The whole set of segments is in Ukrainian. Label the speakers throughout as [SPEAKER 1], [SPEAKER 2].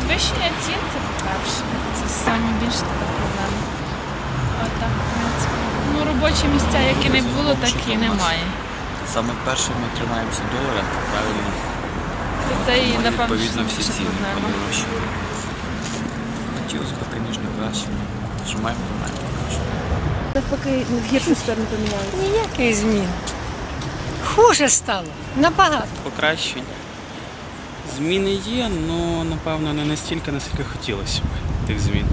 [SPEAKER 1] Підвищення цін це по-перше. Це найбільша така проблема. А так, в принципі. Ну, робочі місця, які не було, так і немає.
[SPEAKER 2] Саме перше ми тримаємося долара, правильно?
[SPEAKER 1] Це і, напевно,
[SPEAKER 2] Відповідно, всі
[SPEAKER 1] найбільша
[SPEAKER 2] ціни
[SPEAKER 1] проблема.
[SPEAKER 2] подорожчали. Хотілося б, звісно, краще. Що маємо, то маємо краще.
[SPEAKER 3] Навпаки, в гіршу сторону поміняли.
[SPEAKER 4] Ніяких змін. Хуже стало. Набагато.
[SPEAKER 5] Покращень. Зміни є, але, напевно, не настільки, наскільки хотілося б тих змін.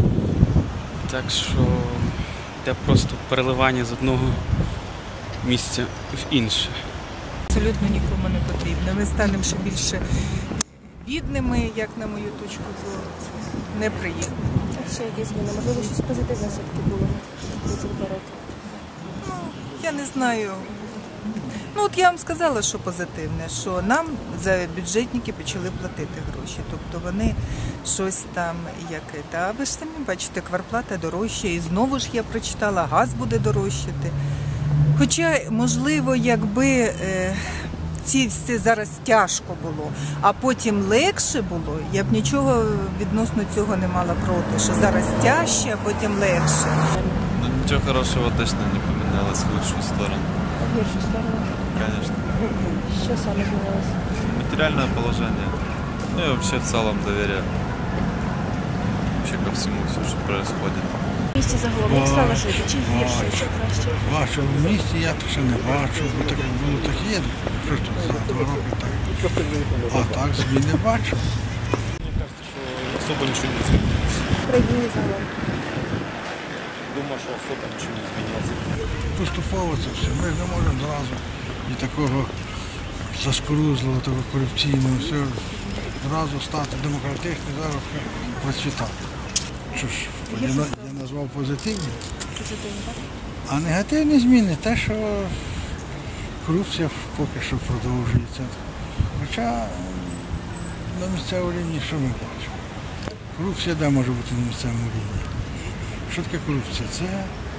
[SPEAKER 5] Так що йде просто переливання з одного місця в інше.
[SPEAKER 6] Абсолютно нікому не потрібно. Ми станемо ще більше бідними, як на мою точку зору. Це неприємно.
[SPEAKER 3] А ще якісь зміни? Можливо, щось позитивне все-таки було за ці 2 роки?
[SPEAKER 6] Я не знаю. Ну от я вам сказала, що позитивне, що нам за бюджетники почали платити гроші. Тобто вони щось там яке. А ви ж самі бачите, квартплата дорожча. І знову ж я прочитала, газ буде дорожчати. Хоча, можливо, якби ці всі зараз тяжко було, а потім легше було, я б нічого відносно цього не мала проти, що зараз тяжче, а потім легше.
[SPEAKER 7] Ну, ничего хорошего точно не поменялось в лучшую сторону.
[SPEAKER 3] В гіршу сторону?
[SPEAKER 7] Конечно.
[SPEAKER 3] Що саме змінилося?
[SPEAKER 7] Материальное положение. Ну и вообще в целом доверие. Вообще ко всему, все, что происходит.
[SPEAKER 3] В місті загалом як стало жити? Чи гірше, чи краще?
[SPEAKER 8] Бачив в місті, я ще не бачив, бо таке було так є, що ж тут за 2 роки так. А так змін не бачив.
[SPEAKER 9] Мне кажется, что особо ничего не изменилось.
[SPEAKER 3] В країні загалом?
[SPEAKER 9] Думаю, что особо ничего не изменилось.
[SPEAKER 8] Поступово це все. Ми ж не можемо зразу і такого заскорузлого, такого корупційного, все, зразу стати демократичним, зараз процвітати. Що ж, я назвав позитивні.
[SPEAKER 3] Позитивні, так?
[SPEAKER 8] А негативні зміни те, що корупція поки що продовжується. Хоча на місцевому рівні що ми бачимо? Корупція де може бути на місцевому рівні? Що таке корупція? Це